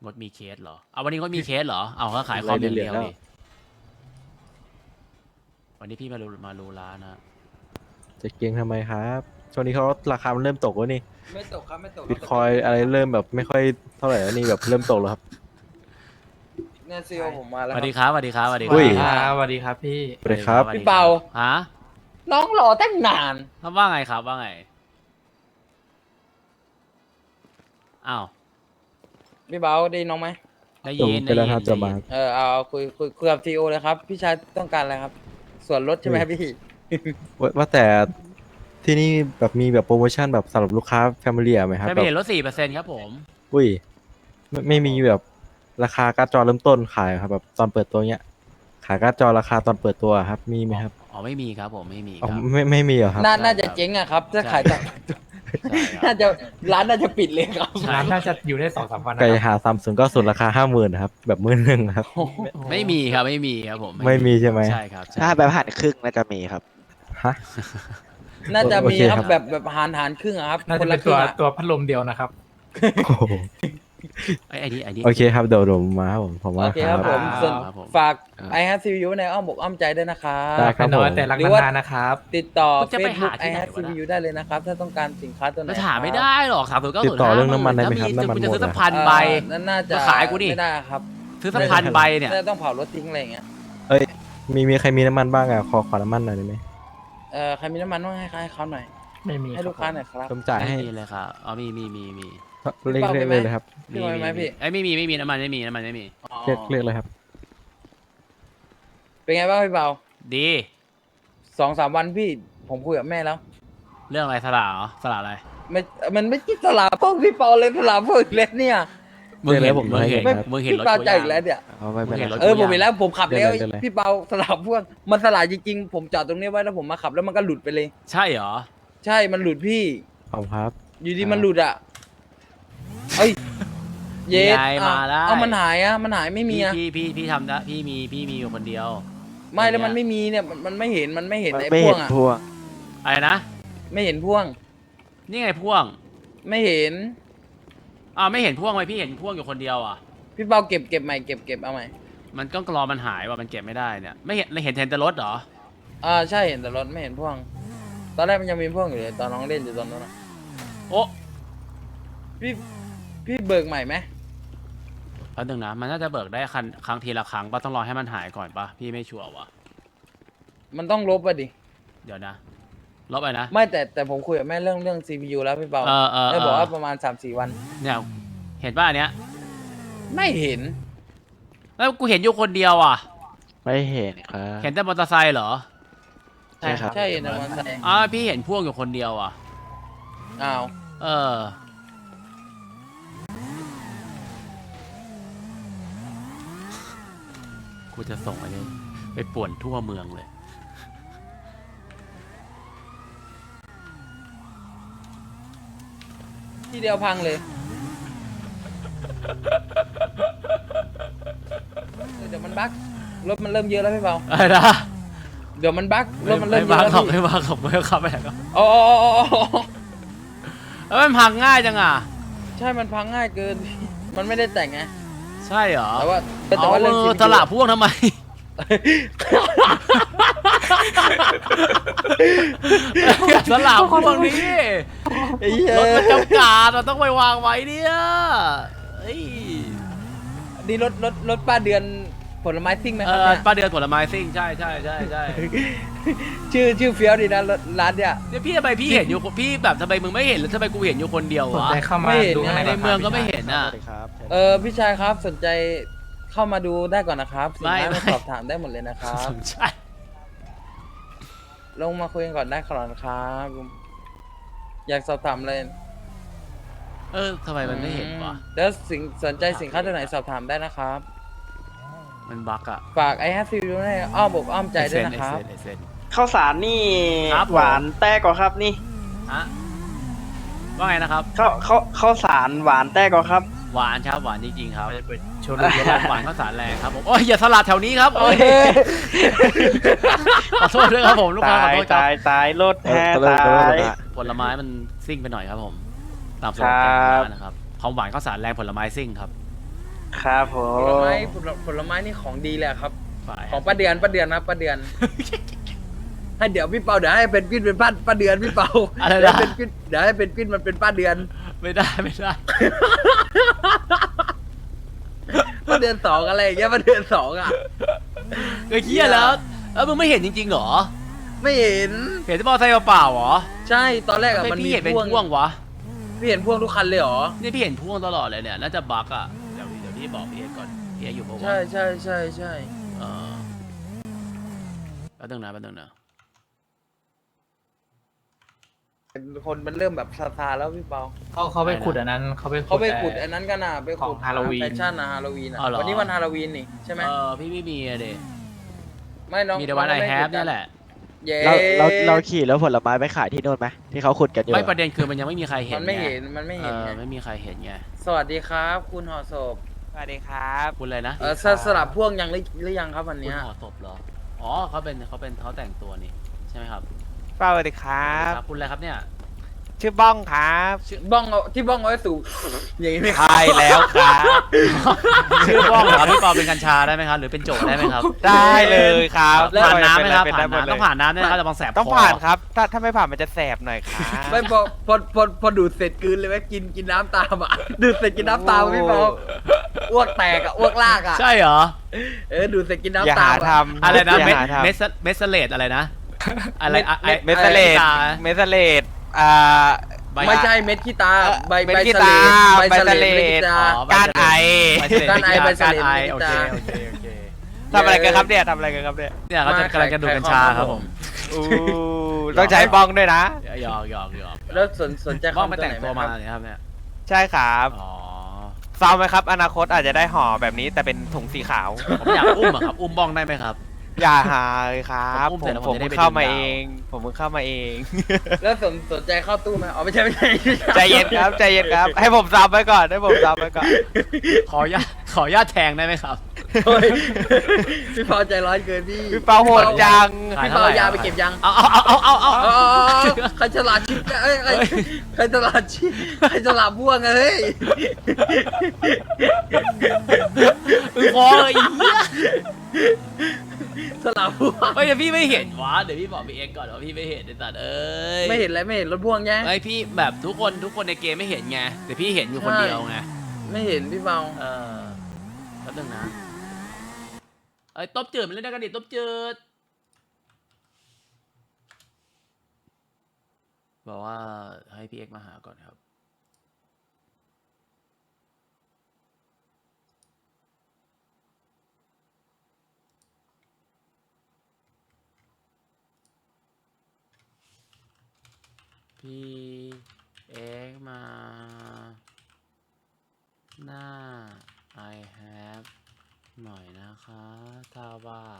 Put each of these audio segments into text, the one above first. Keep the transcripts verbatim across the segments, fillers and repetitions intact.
งดมีเคสเหรอเอาวันนี้งดมีเคสเหรอเอาก็ขายคอมอย่างเดียวดิวันนี้พี่มารูมารูร้านนะจะเก่งทำไมครับช่วงนี้เขาราคามันเริ่มตกแล้วนี่ไม่ตกครับไม่ตกบิตคอยอะไรเริ่มแบบไม่ค่อยเท่าไหร่แล้วนี่แบบเริ่มตกแล้วครับเนี่ยซีโอผมมาสแล้ววัสดีคครับ รับสวัสดีครับสวัสดีคอุ้รัยบสวัสดีครับพี่สวัสดีครับสวัสพี่เปาฮะน้องรอตั้งนานครับว่าไงครับว่าไงอ้าวพี่เบาได้ยินน้องไหมได้ผมยินเป็นได้แล้วยิครับนจะมาเออเอาเอาคุยคุยคุยกับซีโอเลยครับพี่ชายต้องการอะไรครับ ส่วนลดใช่ไหมครับพี่ว่าว่าแต่ที่นี่แบบมีแบบโปรโมชั่นแบบสำหรับลูกค้าแฟมิลี่ไหมครับไม่แบบเห็นลดสี่เปอร์เซ็นต์ครับผมอุ้ยไม่ไม่มีแบบราคาการ์ดจอเริ่มต้นขายครับแบบตอนเปิดตัวเนี้ยขายการ์ดจอราคาตอนเปิดตัวครับมีไหมครับอ๋อไม่มีครับผมไม่มีอ๋อครับไม่ไม่มีเหรอครับน่าใช่น่าจะครับเจ๊งอะครับถ้าใช่ขายต่อใช่ครับน่าจะร้านน่าจะปิดเลยครับใช่ร้านน่าจะอยู่ได้สองสามวันนะไก่ครับหาซัมซุงก็ส่วนราคาห้าหมื่นครับแบบหมื่นหนึ่งครับไม่มีครับไม่มีครับผมไม่มีใช่ไหมใช่ครับใช่ถ้าแบบหันครึ่งน่าจะมีครับฮะน่าจะโอมีเคครับครับแบบแบบหารหารครึ่งอะครับน่าคจะนเป็ละนคตัรึ่วงอะตัวพัดลมเดียวนะครับโอ้โหไอ้ไอ้นี่ไอ้นี่โอเคครับเดี๋ยวผมมาครับผมผมว่าโอเคคครัรับบผมส่วนครับผมฝากครับไอฮัทซีวิวในอ้อมอกอ้อมใจด้วยนะครับได้คไม่รับน้ผอยมแต่รักหรือว่านานๆนะครับติดต่อมันจะไป Facebook หาไอที่ไหนฮัทวะซีนะวิวได้เลยนะครับ ถ้าต้องการสินค้าตัวไหนมันถามไม่ครับได้หรอกสามศูนย์เก้าติดต่อเรื่องน้ำมันได้ไหมครับถ้าน้ำมันคุณจะหมดซื้อสักอะพันใบเอ่อนั่นน่าจะมาขายกูดิไม่ได้ครับซื้อสักพันใบเนี่ยน่าจะต้องเผารถทิ้งอะไรอย่างเงี้ยเอ้ยมีมีใครมีน้ำมันบ้างอ่ะขอขอน้ำมันหน่อยได้ไหมเอ่อใครมีน้ำมันต้องให้ให้เขาหน่อยไม่มีให้ลูกค้าหน่อยครับผมจ่ายให้ไม่มีเลยครับอ๋อมีมีมีมีเรียกเรียกเลยเลยครับพี่บอยไหมพี่ไอ้ยไม่มีไม่มีน้ำมันไม่มีน้ำมันไม่มีอ๋อเรียกเรียกเลยครับเป็นไงบ้างพี่เปาดีสองสามวันพี่ผมคุยกับแม่แล้วเรื่องอะไรสละเหรอสละอะไรไม่มันไม่คิดสลาพวกพี่เปาเลยสลาพวกอีกแล้วเนี่ยมึงเห็นเดี๋ยวผมมึงเห็นให้ไม่มึงเห็นพี่รถเปากูใจยังอีกแล้วเนี่ยเอาไม่เป็นมึงเห็นไรรถเออผมเห็นแล้วผมขับแล้วเดี๋ยวเลยพี่เปาสลาพวกมันสลาจริงๆผมจอดตรงนี้ไว้แล้วผมมาขับแล้วมันก็หลุดไปเลยใช่เหรอใช่มันหลุดพี่ขอบคุณครับอยู่ดีมันหลุดอ่ะเอ้ยเย็ดยายมาได้เอามันหายอ่ะมันหายไม่มีพี่อ่ะพี่พี่พี่ทำนะพี่มีพี่มีอยู่คนเดียวไม่แล้วมันไม่มีเนี่ยมันมันไม่เห็นมันไม่เห็นไอ้ไม่พ่วเห็งนอ่ะพวงอะไรนะไม่เห็นพ่วงนี่ไงพ่วงไม่เห็นอ้าวไม่เห็นพ่วงไหมพี่เห็นพ่วงอยู่คนเดียวอ่ะพี่เปาเก็บเก็บใหม่เก็บเก็บเอาใหม่มันก็รอมันหายว่ะมันเก็บไม่ได้เนี่ยไม่เห็นเห็นเห็นแต่รถเหรออ่าใช่เห็นแต่รถไม่เห็นพ่วง ตอนแรกมันยังมีพ่วงอยู่เลยตอนน้องเล่นอยู่ตอนนั้นอะโอ้พี่พี่เบิกใหม่ไหมแล้วหนึ่งนะมันน่าจะเบิกได้ครั้งครั้งทีละครั้งปะต้องรอให้มันหายก่อนปะพี่ไม่ชัวร์ว่ะมันต้องลบอ่ะดิเดี๋ยวนะลบไปนะไม่แต่แต่ผมคุยกับแม่เรื่องเรื่อง ซี พี ยู แล้วพี่เปาเออเออแม่เอบอกอว่าประมาณ สามสี่ วันเนี่ยเห็นป่ะอันเนี้ยไม่เห็นแล้วกูเห็นอยู่คนเดียวอ่ะไม่เห็นครับเห็นแต่มอเตอร์ไซค์เหรอใช่ครับใช่นะมันใช่อ๋อพี่เห็นพ่วงอยู่คนเดียวอ่ะอ้าวเออ กูจะส่งอันนี้ไปป่วนทั่วเมืองเลยที่เดียวพังเลยเออเดี๋ยวมันบั๊กรถมันเริ่มเยอะแล้วพี่เปาอะไรนะเดี๋ยวมันบั๊กรถมันเริ่มเยไม่อะมาแล้วขับพี่ไม่มาขับไม่ขับไปไหนก็อ๋ออ๋ออ๋ออ๋อแล้วมันพังง่ายจังอ่ะใช่มันพังง่ายเกิน มันไม่ได้แต่งไงใช่เหรอแต่ว่าแต่เอาว่าเรื่องเอซีอพีสละพ่วงทำไม สละพ่วงนี้ไอ้เหี้ยรถมันจำกัดเราต้องไปวางไว้เนี่ยเอ้ยนี่รถรถรถป้าเดือนผลไม้ซิ่งไหมเอครับอเนี่ยป้าเดือนผลไม้ซิ่งใช่ใช่ใช่ใช่ชื่อชื่อเฟี้ยวดีนะรถร้านเนี่ยเนี่ยพี่ทำไมพี่เห็นอยู่พี่แบบทำไมมึงไม่เห็นหรือทำไมกูเห็นอยู่คนเดียวสนวะใจเข้ามาไม่เห็นดูข้างในในก่นครับเมืองก็ไม่เห็นอ่ะสวัสดีครับเออพี่ชายครับสนใจเข้ามาดูได้ก่อนนะครับสินไม่ค้าไม่มาสอบถามได้หมดเลยนะครับสนใจลงมาคุยกันก่อนได้ครับครับอยากสอบถามเลยเออทำไมมันไม่เห็นวะแล้วสินสนใจสินค้าตัวไหนสอบถามได้นะครับมันบั๊กอะฝากไอแฮปปี้ดูในอ้อมอกอ้อมใจด้วยนะครับไอเซนไอเซนข้าวสารนี่ครับผมหวานแต้กว่าครับนี่ฮะว่าไงนะครับข้าวข้าวข้าวสารหวานแต้กว่าครับหวานครับหวานจริงๆครับโชว์รูมหวานข้าวสารแรงครับผมโอ้ยอย่าสลัดแถวนี้ครับโอ้ยขอโทษด้วยครับผมลูกค้าตาขอย โทษครับตายตายรถแท้เออตาเออเออยผลไม้มันซิ่งไปหน่อยครับผมตามสโลครัแกนบร้านนะครับความหวานข้าวสารแรงผลไม้ซิ่งครับครับผผลมไม้ผลผลไม้นี่ของดีเลยครับฝ่ายของป้าเดือนป้าเดือนนะป้าเดือน ให้เดี๋ยวพี่เปาเดี๋ยวให้เป็นกิ้นเป็นป้าป้าเดือนพี่เปาอะไรเดี๋ยวนะเป็นกิ้นเดี๋ยวให้เป็นกิ้นมันเป็นป้าเดือนไม่ได้ไม่ได้ป้าเดือนสองอะไรอย่างเงี้ยป้าเดือนสองอ่ะเฮ้ยเฮียแล้วแล้วมึงไม่เห็นจริงๆเหรอไม่เห็นเห็นที่มอเตอร์ไซค์เปล่าๆเหรอใช่ตอนแรกอะทำไมมันพี่มีเห็นเป็นพ่วงพ่วงวะพี่เห็นพ่วงทุกคันเลยเหรอนี่พี่เห็นพ่วงตลอดเลยเนี่ยน่าจะบั๊กอ่ะเดี๋ยวเดี๋ยวพี่บอกพี่เอกก่อนพี่เอกอยู่ปะวะใช่ใช่ใช่ใช่เออแป๊บนึงนะแป๊บนึงนะคนมันเริ่มแบบซาซาแล้วพี่เปาเขาเขาไปขุดอันนั้นเขาไปเขาไปขุดแต่อันนั้นกันอ่ะไปขุดของ Halloween แฟชั่นนะฮาโลวีนอ่ะอ๋อเหรอวันนี้วันฮาโลวีนนี่ใช่ไหมเออพี่ไม่มีอะเด็ไม่น้องมีแต่วันไอแฮปนี่แหละเย้เราเราเราขี่แล้วผลไม้ไปขายที่นู่นไหมที่เขาขุดกันอยู่ไม่อะประเด็นคือมันยังไม่มีใครเห็นมันไม่งเห็นมันไม่เอเห็นอไงไม่มีใครเห็นไงสวัสดีครับ คุณห่อศพสวัสดีครับคุณอะไรนะเออสสลับพ่วงยังหรือหรือยังครับวันคุณเนี้ยห่อศพเหรออ๋อเขาเป็นเขาเป็นเขาแต่งตัวนี่ใช่ไหมครับสวัสดีครับครับคุณอะไรครับเนี่ยชื่อบ้องครับชื่อบ้องเอาที่บ้องเอาไว้สูบอย่างนี้ไหมครับใช่แล้วครับชื่อบ้องเหรอครับพี่ปอเป็นกัญชาได้ไหมครับหรือเป็นโจได้ไหมครับได้เลยครับผ่านน้ำไหมครับเป็ผ่านด้หมดน้ำเลยต้องผ่านน้ำด้วยนะครับจะบังแสบต้องคผ่านครับ ถ้าถ้าไม่ผ่านมันจะแสบหน่อยครับไม่พอพอพอพอดูดเสร็จกลืนเลยไหมกินกินน้ำตามอ่ะ ดูดเสร็จกินน้ำตามพี่เปาอ้วกแตกอ่ะอ้วกลากอ่ะใช่เหรอเออดูดเสร็จกินอย่าน้ำตาหาม ทำอะไรนะอย่าเมสหาทำเมสเมสเลตอะไรนะอะไรอะไอเมสเลดตาเมสเลดอ่าใบไม่ใช่เม็ดขี้ตาใบเม็ดใบขี้สตาเลดใบใบสสเลเลดดเม็ดขี้ตาอ๋อการไอใบเสลดการไอใบเสลดการไอเม็โอดเคตาโอเคโอเคทำอะไรกันครับเนี่ยทำอะไรกันครับเนี่ยเนี่ยเขาจะกำลังจะดูดกัญชาครับผมอู้ต้องใช้บ้องด้วยนะหยอกหยอกหยอกแล้วสนสนใจบ้องคำไปแต่งตัวไหนไหมาครับเนี่ยครับเนี่ยใช่ครับอ๋อซาวไหมครับ อนาคตอาจจะได้ห่อแบบนี้แต่เป็นถุงสีขาวผมอยากอุ้มอะครับอุ้มบ้องได้ไหมครับอย่าหาเลยครับผมอุ้มผเสร็จมแล้วผผมมจะได้เพิ่งไปเข้ามาดึงดาวเอง ผมเพิ่งเข้ามาเองแล้วสนสนใจเข้าตู้ไหมอ๋อไม่ใช่ไม่ใช่ใจเย็นครับใจเย็นครับ ให้ผมซับไปก่อนให้ผมซับไปก่อนขออนุญาตขออนุญาตแทงได้ไหมครับโอ้ยพี่เปาใจร้อนเกินพี่พี่เปาโหดจังขายพี่เท่าเปาไหร่ยาไปเก็บยังเอาเอาเอาเอาเอาอ๋เอาอใครฉลาดชิปเอ้ยใครใครฉลาดชิปใครฉลาดบ้วงอะเฮ้ยอึ้งคอเลยไอ้เหี้ยฉลาดบ้วงเฮ้ยเดี๋ยวพี่ไม่เห็นวะเดี๋ยวพี่บอกพี่เอ็กซ์ก่อนว่าพี่ไม่เห็นไอ้สัตว์เอ้ยไม่เห็นอะไรไม่เห็นรถพ่วงแย่ไอพี่แบบทุกคนทุกคนในเกมไม่เห็นไงแต่พี่เห็นอยู่คนเดียวไงไม่เห็นพี่เปาเออแป๊บนึงนะไอ้ยตบจืดมันเล่นได้กันดิตบจืดบอกว่าให้พี่เอ็กซ์มาหาก่อนครับพี่เอ็กซ์มาหน้า I have หน่อยนะคะถ้าว่าง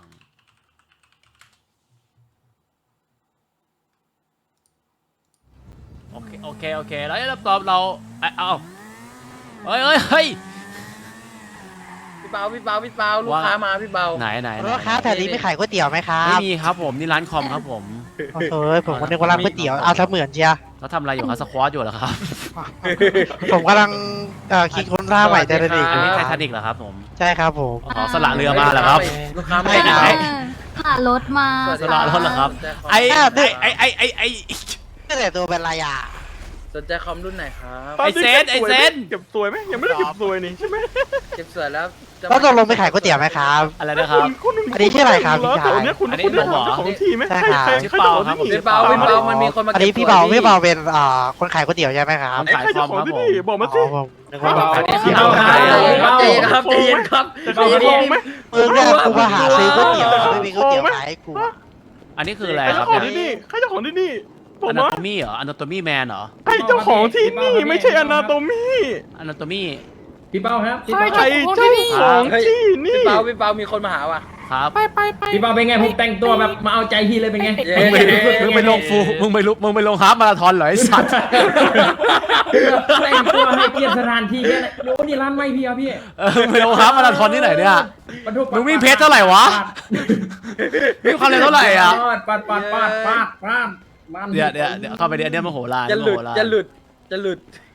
โอเคโอเคโอเคแล้วเราตอบเราเอ้ยเอาเฮ้ยเฮ้ยเฮ้ยพี่เปาพี่เปาพี่เปาลูกว่าค้ามาพี่เปาไหนไหนไหนรถครับแถวนี้ไม่ขายก๋วยเตี๋ยวไหมครัไม่บมีครับผมนี่ร้านคอมครับผมโอ้โหผมก็นึกว่าร้านก๋วยเตี๋ยวเอาเสมือนเชียร์เขาทำอะไรอยู่ครับสควอตอยู่เหรอครับผมกำลังเอ่อคิดค้นท่าใหม่แต่ละดีอันนี้ไททานิกเหรอครับผมใช่ครับผมอ๋อสละเรือมาเหรอครับลูกค้าไม่ไม่ได้ได้ผ่านรถมาสละรถเหรอครับไอไอไอไอไอไอนี่แต่ตัวเป็นไรอ่ะสนใจคอมรุ่นไหนครับไอเซนไอเซนเก็บสวยไหมยังไม่ได้เก็บสวยนี่ใช่ไหมเก็บสวยแล้วจะแล้วตกลงไปขายก๋วยเตี๋ยวไหมครับอะไรนะครับอันนี้ชื่ออะไรครับพี่ชายอันนี้ผมเหรอใช่ครับชื่อเปาครับผมพี่เปาพี่เปามันมีคนมาอันเก็บนี้พี่เบาพี่เบาเป็นเอ่อคนขายก๋วยเตี๋ยวใช่ไหมครับผมขายคอมครับผมบอกมาอ๋สิอผมนึกว่าแบบอันนี้พี่คือเปาเอาใจขายเย็นครับใจเย็นครับใจเย็นครับมึงเนี่ยกูมาหาซื้อก๋วยเตี๋ยวไม่มีก๋วยเตี๋ยวขายให้กูอันนี้คืออะไรใครครัเจ้าบของเนี่ยที่นี่ใครเจ้าของที่นี่ ผอมนาว่าโตมี่เหรออนาโตมี่แมนเหรอใครเจ้าของที่นี่ไม่ใช่อนาโตมีอนาโตมี่พี่เป้าครับพี่ใครเป้าเจ้าของที่นี่พี่เปาพี่เปามีคนมาหาว่ะครับพี่เป้าเป็นไงผมแต่งตัวแบบมาเอาใจพี่เลยเป็นไงเย้มึงไปมึงไปลงฟูมึงไปลุมึงไปลงฮาล์ฟมาราธอนเหรอไอสัตว์แต่งตัวให้เกียรติสถานที่แค่ไหนโอ้นี่ร้านไม่พี่ครับพี่เออมึงไปลงฮาล์ฟมาราธอนที่ไหนเนี่ยปะทุมึงวิ่งเพจเท่าไหร่วะ วิ่งความเร็วเท่าไหร่อ่ะปาดปาดปาดปาดปาดปาดเดี๋ยวเดี๋ยวเดี๋ยวเข้าไปเดี๋ยวเดี๋ยวมโหฬารจะมหลุโหดฬารจะหลุดจะหลุด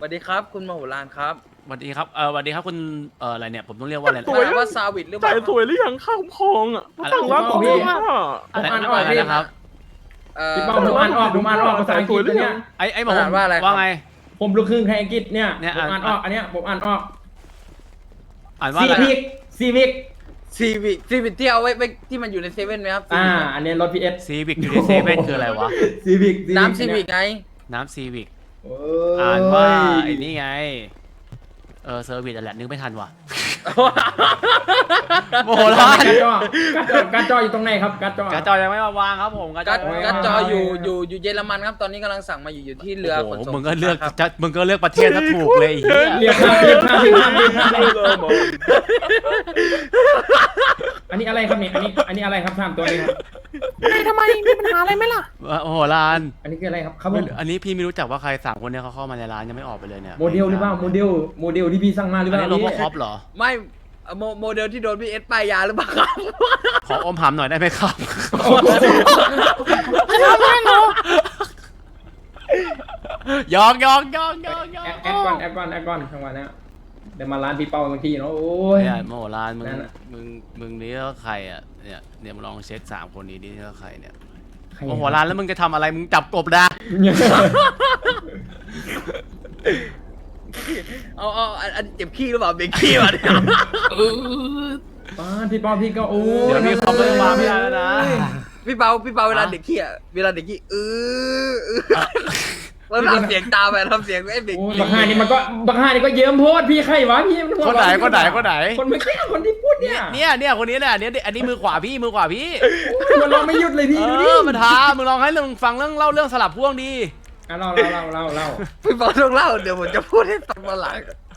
วัสดีครับคุณมโหฬารครับสวัสดีครับเออสวัสดีครับคุณเอออะไรเนี่ยผมต้องเรียกว่าอะไรสวยว่าซาวิดหรือเปจ่าล่ายสวยหรือยังข้าวคองอ่ะสั่งร้านผมอ่ะอะไรผมอ่านออกอะไรพี่นะครับเอ่อพี่เป้าผมอ่านออกผมอ่านออกภาษาอังกฤษเนี่ยไอ้ไอ้หมออ่านว่าอะไรครับว่าไงผมลูกครึ่งไทยอังกฤษเนี่ยเนี่ยผมอ่านอ่านออกอันเนี้ยผมอ่านออกอ่านว่าซีอะไรวิกซีวิกซีวิซีวิที่เอาไว้ไว้ที่มันอยู่ในเซเว่นไหมครับอ่าอันเนี้ยรถพีเอสซีวิกอยู่ในเซเว่นคืออะไรวะซีวิกน้ำซีวิกไงน้ำซีวิกโอ้อ่านว่าไอ้นี่ไงเออเซอร์วิสอะไรนึกไม่ทันว่ะ โมโหร้านการ์ดจอการ์ดจออยู่ตรงไหนครับการ์ดจอกระจอยังไม่มาวางครับผมกระจกัอดยังไม่กัดมาวางจออยู่อยู่อยู่เยอรมันครับตอนนี้กำลังสั่งมาอยู่อยู่ที่เรือขนโอ้โหส่งมึงก็เลือกครับจะมึงก็เลือกประเทศถ้าถูกเลยไอ้เหี้ยเรียกข้ามเรียกข้ามเรียกข้ามเรียกข้ามเรียกข้ามอันนี้อะไรครับเนี่ยอันนี้อันนี้อะไรครับสามตัวนี้ครับทำไมมีปัญหาอะไรไหมล่ะโอ้โหร้านอันนี้คืออะไรครับครับผไม่มรู้อันนี้พี่ไม่รู้จักว่าใครสั่งคนเนี้ยเขาเข้ามาในร้านยังไม่ออกไปเลยเนี่ยโมเดลหรือเปล่าโมเดลโมเดลที่พี่สั่งมาหรืออัเปนล่านี้โรบอพี่คอปเหรอไม่โมโมเดลที่โดนพีเอสป้ายยาหรือเปล่าครับขออมหำหน่อยได้ไหมครับยอกยอกยอกยอกยอแอก ดแอดก่อนแอดก่อนแอดก่อนทั้งวันนะเดี๋ยวมาร้านพี่เป้าบางทีเนาะโอ้ยเนี่ยโมโหร้านมึงนั่นน่ะมึงมึงนี่ก็ใครอ่ะเนี่ยเนี่ยมึงลองเช็คสามคนนี้ดินี่ก็ใครเนี่ยใครโมโหร้านแล้วมึงจะทำอะไรมึงจับกบนะเอาเอาอันอันเจ็บขี้หรือเปล่าเบรกขี้วะเนี่ยป้าพี่เป้าพี่ก็โอ้ยเดี๋ยวมีคอมเมนต์มาไม่ได้แล้วนะพี่เปาพี่เปาเวลาเด็กขี้อะเวลาเด็กขี้เออเออแล้วทำเสียงตามไปทำเสียงไอ้เด็กโอ้ยขี้บักห้านี่มันก็บักห้านี่ก็เยิ้มโพดพี่ใครวะพี่มัหัวคนไหนเราะคนไหนคนไหนคนไม่ใช่คนที่พูดเนี่ยเนี่ยเนี่ยคนนี้แหละเนี่ยอันนี้มือขวาพี่มือขวาพี่หัวเราะไม่หยุดเลยพี่เอดูดิอมันท้ามึงลองให้มึงฟังเรื่องเล่าเรื่องสลับพ่วงดีอ่ะเล่าเล่าเล่าเล่าเล่าพี่เปาต้องเล่าเดี๋ยวผมจะพูดให้ฟังมาหลัง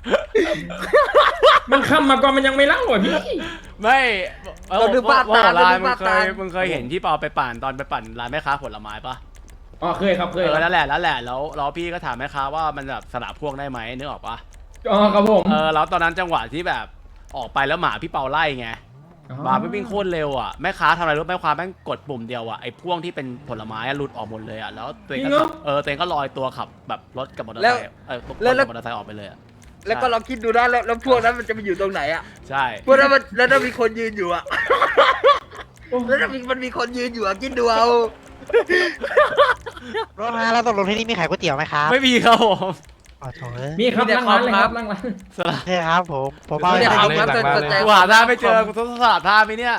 มันคำมาก่อนมันยังไม่เล่าอ่ะพี่ไม่เออเราดูบ้าตาว่าเราร้านดูมึบ้างเคตายมึงเคยเห็นที่เปาไปปั่นตอนไปปั่นร้านแม่ค้าผลไม้ปะอ๋อเคยครับเคเอย อครับนั่นแหละนั่นแหละแล้วแล้วพี่ก็ถามแม่ค้าว่ามันแบบสลับพ่วงได้ไหมนึกออกปะอ๋อครับผมเออแล้วตอนนั้นจังหวะที่แบบออกไปแล้วหมาพี่เปาไล่ไงหมาไม่วิ่งโคตรเร็วอ่ะแม่ค้าทำอะไรรู้ไหมแม่ค้าแม่งกดปุ่มเดียวอ่ะไอ้พ่วงที่เป็นผลไม้อะหลุดออกหมดเลยอ่ะแล้วตัวเองก็ขับเออตัวเองก็ลอยตัวขับแบบรถกับมอเตอร์ไซค์เออรถกับมอเตอร์ไซค์ออกไปเลยอ่ะแล้วก็ลองคิดดูนะแล้วแล้วพวกนั้นมันจะไปอยู่ตรงไหนอะใช่พวกนั้นมันแล้วถ้ามีคนยืนอยู่อะแล้วถ้ามีมันมีคนยืนอยู่อะคิดดูเอารถนะแล้วตกลงที่นี่มีขายก๋วยเตี๋ยวไหมครับไม่มีครับผมอ๋อโถ่เอ้ยมีครับนั่งร้านเลยครับนั่งร้านสลับใช่ครับผมผมเอาไม่ได้ไปครับเลยครับหลังบ้านสเลนใจยกูหาท่าไม่เจอกูต้องสลับท่าไหมเนี่ย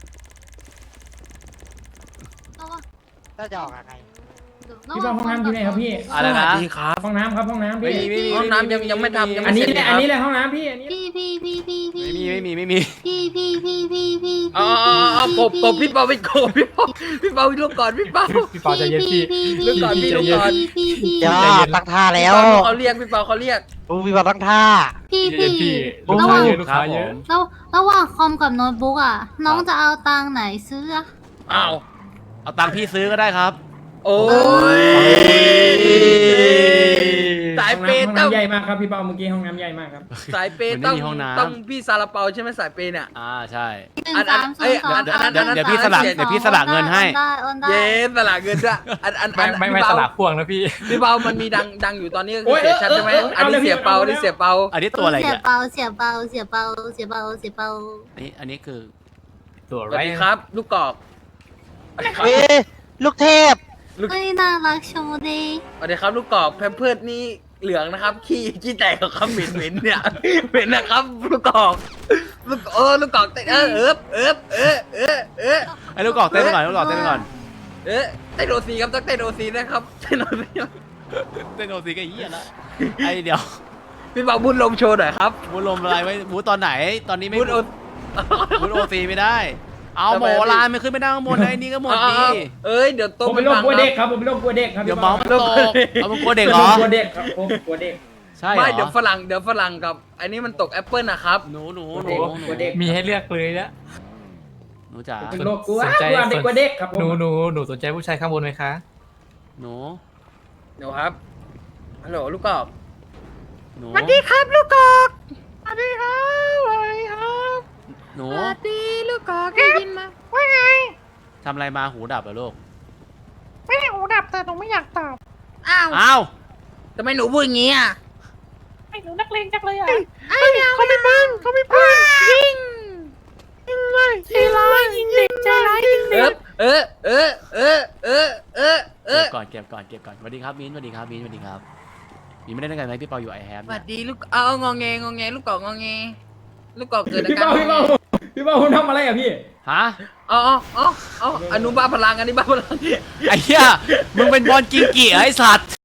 ถ้าจะออกยังไงพี่เป้าห้องน้ำอยู่ไหนครับพี่อะไรนะดีครับห้องน้ำครับห้องน้ำไม่พี่มีไม่มีห้องน้ำยังยังไม่ทำยังอันไม่นี้เสร็จแหละคอัรันบนี้แหละห้องน้ำพี่อันนี้พี่พี่พี่พี่พี่ไม่มีไม่มีไม่มีพี่พี่พี่พี่พี่อ๋ออ๋ออ๋อกบกบพี่เปาไปกบพี่เปาพี่เปาลูกก่อนพี่เปาพี่ปอจะเย็นพี่ลูกก่อนพี่ลูกก่อนพี่พี่เดี๋ยวตั้งท่าแล้พี่วเปาเขาเรียกพี่เปาเขาเรียกอู้พี่บอลตั้งท่าพี่พี่ลูกระหค้าว่างเยอะครับผมระระหว่างคอมกับโน้ตบุ๊กอ่ะ น้องจะเอาตังค์ไหนซื้ออะอ้าวเอาตังค์พี่ซื้อก็ได้ครับโอ้ยสายห้องเปย์น้ำห้องต้องน้ำใหญ่มากครับพี่เป้าเมื่อกี้ห้องน้ำใหญ่มากครับสายเปย์มันไม่ต้องมีห้องน้ำต้องพี่ซาลาเปาใช่ไหมสายเปย์เนี่ยอ่าใช่หนึ่งอันอัสาน มเอ้ศูนยย์สองอันอันอันเดี๋ยวพี่สลับเดี๋ยวพี่สลับเงินให้โอนได้โอนได้เย้สละเงินด้วยอันอันอันไม่ไม่พี่สเปาลับพวงนะพี่พี่เปามันมีดังดังอยู่ตอนนี้ก็โอ้คือย เสียชัดใช่ไหมเออเออเอออันนี้เอาเลยเสียเปาเอาอันเลยนี้เสียเปาอันนี้ตัวอะไรเสียเนี่ยเปาเสียเปาเสียเปาเสียเปาเสียเปาอันนี้อันนี้คือตัวสไรวัสดีครับ ลูกกอกสวัสดีครับเอ้ยลูกเทพเฮ้ยน่ารักชมดีสวัสดีครับลูกกอกแพมเพิร์ดนี่เหลืองนะครับขี้ขี้แตกกับคำเหม็นเหม็นเนี่ยเหม็นนะครับลูกกอกลูกเออลูกกอกเต้นเออเอิบเอิบเออเออเออไอ้ลูกกอกเต้นไปก่อนลูกกอกเต้นไปก่อนเออเต้นโอซีครับต้องเต้นโอซีนะครับเต้นโอซีเต้นโอซีก็เหี้ยละไอ้เดี๋ยวพี่เปาบุญลมโชว์หน่อยครับบูลมอะไรไว้บูตอนไหนตอนนี้ไม่บุญโอบูโอซีไม่ได้ เอาทำหไมมออะพี่ลานมันขึ้นไม่ได้ข้างบนนะไอ้นี่ก็หมดดีเอ้ยเดี๋ยวโตผมไปเป็นโรคฟังกลัวคเด็รักบครับผมเป็นโรคกลัวเด็กครับเดี๋ยวพี่เมาเป้าส์มันตกเอามึงกลัวเด็กเหรอกลัวเด็กครับผมกลัวเด็กใช่เหรไม่อเดี๋ยวฝรั่งเดี๋ยวฝรั่งกับอันนี้มันตกแอปเปิลนะครับหนูหนูกลัวหนูหนูเด็กกลัวเด็กมีให้เลือกเลยนะหนูจ๋าผมเป็นโรคกลัวสนใจกลัวเด็กกลัวเด็กครับผมหนูหนูหนูสนใจผู้ชายข้างบนไหมคะหนูเดี๋ยวครับฮัลโหลลูกกอกหนูสวัสดีครับลูกกอกสวัสดีครับสวัสดีครับหนูสวัสดีลูกกอกได้ยินมาว่าไงทำอะไรมาหูดับเหรอลูกไม่ได้หูดับแต่หนูไม่อยากตอบอ้าวอ้าวทำไมหนูพูดอย่างงี้อ่ะหนูนักเลงจังเลยอ่ะเขาไม่ปืนเขาไม่ปืนยิงยิงเลยใจร้ายยิงเด็กใจร้ายยิงเอเด็อก เออเออเออเออเออเอเก็อบก่อนเก็บก่อนเก็บก่อนสวัสดีครับมิ้นสวัสดีครับมิ้นสวัสดีครับมิ้นไม่ได้ด้วยกันไหมพี่เปาอยู่ไอแฮมสวัสดีลูกเอางอแงงอแงลูกกอกงอแงลูกกอกเกิดอาพี่การเป้าง พี่อเป้าแงพี่เป้าคุณทำอะไรอ่ะพี่ฮะอ๋ออ๋ออ๋ออ๋ออนุบาลพลังอันนี้บ้าพลังไอ้เหี้ยมึงเป็นบอลกิงกี่ไอ้สัตว์